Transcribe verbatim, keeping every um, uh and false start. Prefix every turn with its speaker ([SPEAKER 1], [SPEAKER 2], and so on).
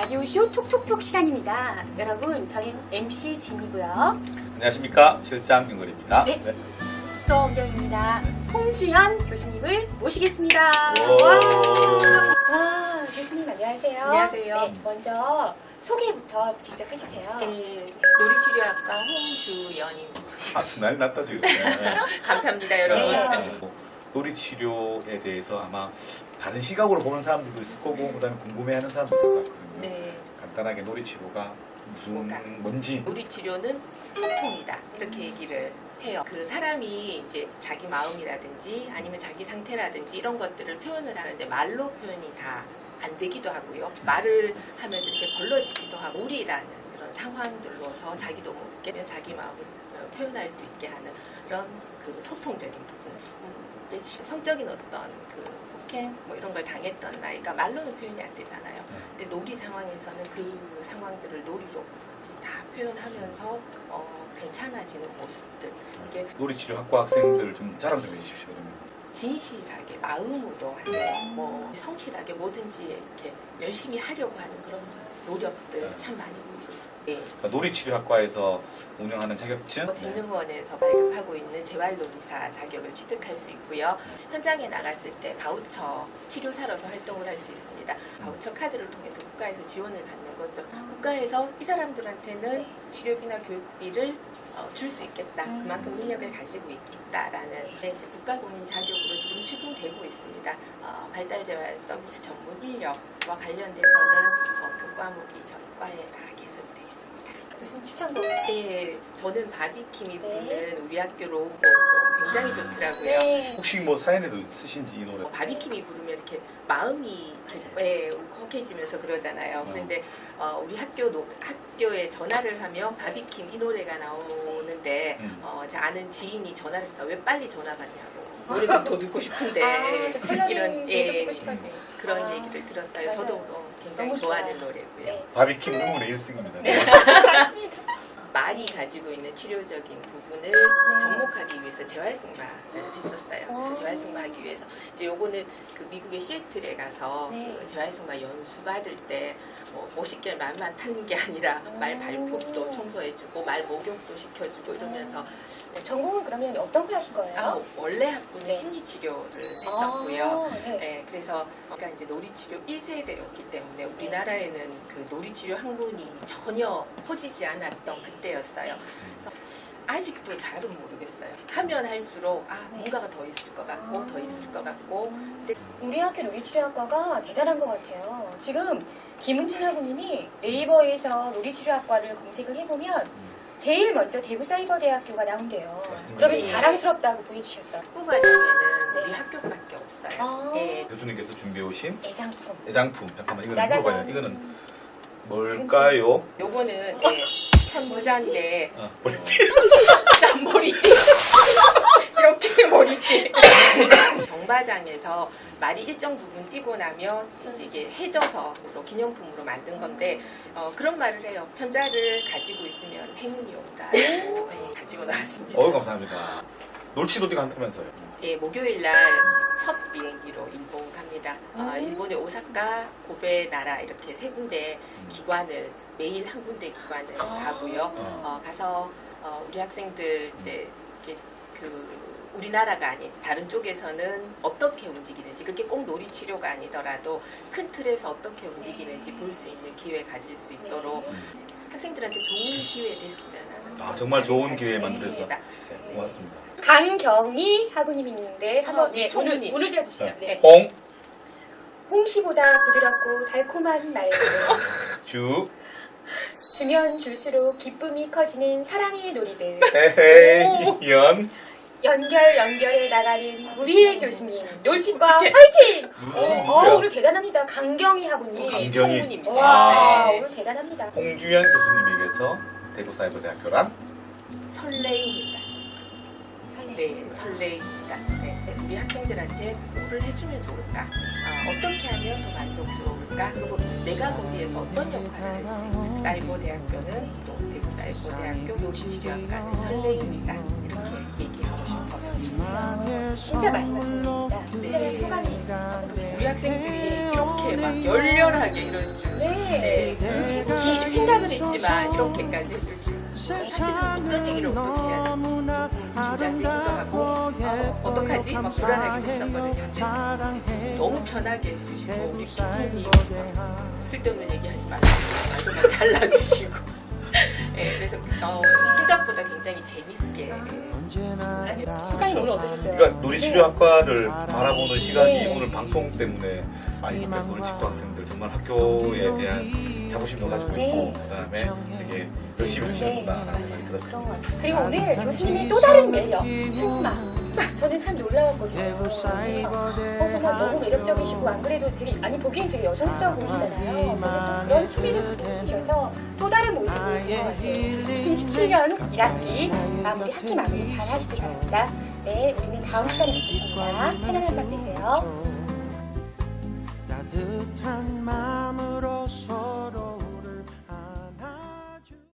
[SPEAKER 1] 라디오쇼 톡톡톡 시간입니다. 여러분, 저희는 엠씨 진이고요.
[SPEAKER 2] 안녕하십니까, 실장 윤걸입니다.
[SPEAKER 1] 네. 네. 수어원경입니다. 홍주연 교수님을 모시겠습니다. 와, 교수님 안녕하세요.
[SPEAKER 3] 안녕하세요.
[SPEAKER 1] 네, 먼저 소개부터 직접 해주세요.
[SPEAKER 3] 네, 놀이치료학과 홍주연입니다.
[SPEAKER 2] 아, 난리 났다, 지금. 네.
[SPEAKER 3] 감사합니다, 여러분.
[SPEAKER 1] 네.
[SPEAKER 2] 놀이치료에 대해서 아마 다른 시각으로 보는 사람들도 있을 거고, 그 다음에 궁금해하는 사람도 있을 것 같거든요.
[SPEAKER 3] 네.
[SPEAKER 2] 간단하게 놀이치료가 무슨,
[SPEAKER 3] 뭐가?
[SPEAKER 2] 뭔지.
[SPEAKER 3] 놀이치료는 소통이다. 이렇게 얘기를 해요. 그 사람이 이제 자기 마음이라든지 아니면 자기 상태라든지 이런 것들을 표현을 하는데 말로 표현이 다 안 되기도 하고요. 말을 하면서 이렇게 벌러지기도 하고 우리라는 그런 상황들로서 자기도 모르게 자기 마음을 표현할 수 있게 하는 그런 그 소통적인 부분. 음, 이제 성적인 어떤 그 폭행 뭐 이런 걸 당했던 나이가 말로는 표현이 안 되잖아요. 근데 놀이 상황에서는 그 상황들을 놀이로 다 표현하면서 어, 괜찮아지는 모습들. 이게
[SPEAKER 2] 놀이치료 학과 학생들 좀 자랑 좀 해주십시오, 그러면.
[SPEAKER 3] 진실하게 마음으로 하는 뭐 성실하게 뭐든지 이렇게 열심히 하려고 하는 그런 노력들
[SPEAKER 2] 네.
[SPEAKER 3] 참 많이 보이고 있습니다. 네.
[SPEAKER 2] 그러니까 놀이치료 학과에서 운영하는 자격증.
[SPEAKER 3] 진흥원에서 발급하고 있는 재활놀이사 자격을 취득할 수 있고요. 현장에 나갔을 때 바우처 치료사로서 활동을 할 수 있습니다. 바우처 카드를 통해서 국가에서 지원을 받는 거죠. 국가에서 이 사람들한테는 치료비나 교육비를 어, 줄 수 있겠다. 그만큼 능력을 가지고 있, 있다라는 네, 이제 국가공인 자격으로 지금 추진되고 있습니다. 어, 발달재활 서비스 전문 인력과 관련돼서는 어, 그 과목이 저희 과에 다 개설이 되어 있습니다.
[SPEAKER 1] 교수님 추천도.
[SPEAKER 3] 네, 저는 바비킴이
[SPEAKER 1] 네.
[SPEAKER 3] 부르는 우리 학교 로고송 굉장히 좋더라고요.
[SPEAKER 1] 네.
[SPEAKER 2] 혹시 뭐 사연에도 있으신지 이 노래?
[SPEAKER 3] 어, 바비킴이 부르면 이렇게 마음이 이렇게 예, 울컥해지면서 그러잖아요.
[SPEAKER 2] 어.
[SPEAKER 3] 그런데 어, 우리 학교 노, 학교에 전화를 하면 바비킴 이 노래가 나오는데
[SPEAKER 2] 음.
[SPEAKER 3] 어, 제 아는 지인이 전화를 했다. 왜 빨리 전화 받냐고. 노래 좀 더 듣고 싶은데
[SPEAKER 1] 아, 그 컬러링
[SPEAKER 3] 이런
[SPEAKER 1] 계속
[SPEAKER 3] 예,
[SPEAKER 1] 보고 싶어서.
[SPEAKER 3] 그런
[SPEAKER 1] 아,
[SPEAKER 3] 얘기를 들었어요.
[SPEAKER 1] 맞아요.
[SPEAKER 3] 저도 어, 굉장히
[SPEAKER 1] 너무
[SPEAKER 3] 좋아하는
[SPEAKER 1] 좋아요.
[SPEAKER 3] 노래고요.
[SPEAKER 1] 네.
[SPEAKER 2] 바비킴 눈물의 일승입니다.
[SPEAKER 1] 네. 맞습니다.
[SPEAKER 3] 말이 가지고 있는 치료적인 부분을 접목하기 위해서 재활승마를 했었어요. 그래서
[SPEAKER 1] 오.
[SPEAKER 3] 재활승마하기 위해서 이제 요거는 그 미국의 시애틀에 가서
[SPEAKER 1] 네.
[SPEAKER 3] 그 재활승마 연수 받을 때 뭐 오십개월 말만 타는 게 아니라 말 발톱도 청소해주고 말 목욕도 시켜주고 이러면서
[SPEAKER 1] 네, 전공은 그러면 어떤 걸 하신 거예요?
[SPEAKER 3] 아, 원래 학부는
[SPEAKER 1] 네.
[SPEAKER 3] 심리치료를 했었고요.
[SPEAKER 1] 아, 네.
[SPEAKER 3] 네, 그래서 그러니까 이제 놀이치료 일 세대였기 때문에 우리나라에는 그 놀이치료 학문이 전혀 퍼지지 않았던 그때였어요. 그래서 아직도 잘은 모르겠어요. 하면 할수록 아 뭔가가 더 있을 것 같고
[SPEAKER 1] 아.
[SPEAKER 3] 더 있을 것 같고 근데
[SPEAKER 1] 우리 학교 놀이치료학과가 대단한 것 같아요. 지금 김은진 학우님이 네이버에서 놀이치료학과를 검색을 해보면 제일 먼저 대구사이버대학교가 나온대요.
[SPEAKER 2] 맞습니다.
[SPEAKER 1] 그러면서 자랑스럽다고 보여주셨어요.
[SPEAKER 3] 학부 과정에는 우리 학교밖에 없어요.
[SPEAKER 1] 아.
[SPEAKER 3] 예,
[SPEAKER 2] 교수님께서 준비해오신
[SPEAKER 1] 애장품.
[SPEAKER 2] 애장품. 잠깐만, 이거는
[SPEAKER 1] 짜자잔.
[SPEAKER 2] 물어봐요. 이거는 뭘까요?
[SPEAKER 3] 요거는 예, 현모자인데
[SPEAKER 2] 어, 머리띠.
[SPEAKER 3] 난 머리띠 이렇게 머리띠 경마장에서 말이 일정 부분 뛰고 나면 이제 이게 해져서 기념품으로 만든 건데 어, 그런 말을 해요. 편자를 가지고 있으면 행운이 온다고 네, 가지고 나왔습니다.
[SPEAKER 2] 어우, 감사합니다. 놀치도띠가 한다면서요.
[SPEAKER 3] 예, 목요일 날 첫 비행기로 일본 갑니다. 어,
[SPEAKER 1] 음.
[SPEAKER 3] 일본의 오사카, 고베, 나라 이렇게 세 군데 기관을 매일 한 군데 기관을
[SPEAKER 1] 아.
[SPEAKER 3] 가고요. 어, 가서 어, 우리 학생들 이제 이렇게 그 우리나라가 아닌 다른 쪽에서는 어떻게 움직이는지 그게 꼭 놀이 치료가 아니더라도 큰 틀에서 어떻게 움직이는지 볼 수 있는 기회 가질 수 있도록 학생들한테 좋은 기회 됐으면 하는
[SPEAKER 2] 아,
[SPEAKER 3] 그런
[SPEAKER 2] 정말 좋은
[SPEAKER 3] 바람을
[SPEAKER 2] 기회
[SPEAKER 3] 가지고
[SPEAKER 2] 만들어서.
[SPEAKER 3] 있습니다.
[SPEAKER 2] 네, 고맙습니다.
[SPEAKER 1] 강경희 학우님 있는데 한번
[SPEAKER 3] 어,
[SPEAKER 1] 네,
[SPEAKER 3] 네,
[SPEAKER 1] 오늘
[SPEAKER 3] 총무님.
[SPEAKER 1] 오늘 띄워주시죠.
[SPEAKER 2] 네.
[SPEAKER 1] 네.
[SPEAKER 2] 홍,
[SPEAKER 1] 홍시보다 부드럽고 달콤한 말.
[SPEAKER 2] 주,
[SPEAKER 1] 주면 줄수록 기쁨이 커지는 사랑의 놀이들.
[SPEAKER 2] 헤헤, 연,
[SPEAKER 1] 연결 연결해 나가는 우리의 교수님 놀치과
[SPEAKER 3] 어떡해.
[SPEAKER 1] 화이팅!
[SPEAKER 2] 누구야?
[SPEAKER 1] 어, 오늘 대단합니다. 강경희 학우님.
[SPEAKER 2] 강경희.
[SPEAKER 3] 총무님이죠.
[SPEAKER 1] 와,
[SPEAKER 3] 네.
[SPEAKER 1] 오늘 대단합니다.
[SPEAKER 2] 홍주연 교수님에게서 대구사이버대학교란
[SPEAKER 1] 설레.
[SPEAKER 3] 설레입니다. 네, 설레입니다. 네, 우리 학생들한테 뭐를 해주면 좋을까? 아, 어떻게 하면 더 만족스러울까? 그리고 내가 거기에서 어떤 역할을 할 수 있을까? 사이버 대학교는 또 대구 사이버 대학교 놀이치료학과는 설레입니다. 이렇게 얘기하고 싶어요.
[SPEAKER 1] 진짜 맛이 났습니다.
[SPEAKER 3] 네.
[SPEAKER 1] 수련의 소감이.
[SPEAKER 3] 우리 학생들이 이렇게 막 열렬하게 이런 줄
[SPEAKER 1] 네. 네.
[SPEAKER 3] 기- 생각은 했지만 이렇게까지 해줄 줄. 사실은 어떤 얘기를 어떻게 해야 될지 긴장되기도 하고 어, 어떡하지? 막 불안하게 됐었거든요. 근데 너무 편하게 해주시고 우리 기분이 쓸데없는 얘기하지 마시고 말도 막 잘라주시고 네, 그래서 어, 생각보다 굉장히 재밌게
[SPEAKER 1] 시장님 오늘 어떠셨어요?
[SPEAKER 2] 그러니까 놀이치료학과를 바라보는 시간이
[SPEAKER 1] 네.
[SPEAKER 2] 오늘 방송 때문에 많이 바뀌어서 놀이치과 학생들 정말 학교에 대한 자부심도 가지고
[SPEAKER 1] 네.
[SPEAKER 2] 있고 그다음에 되게 열심히 하시는구나라는 생각이 들었습니다.
[SPEAKER 1] 그리고 오늘 교수님의 또 다른 매력, 승마. 저는 참 놀라웠거든요. 그래서 어, 정말 너무 매력적이시고 안 그래도 되게 아니 보기엔 되게 여성스러워 보이시잖아요. 근데 또 그런 취미를 갖고 계셔서 또 다른 모습을 본 것 같아요. 이천십칠 년 일 학기 마무리 학기 마무리 잘 하시기 바랍니다. 네, 우리는 다음 시간에 뵙겠습니다. 편안한 밤 되세요.
[SPEAKER 4] 따뜻한 마음으로 소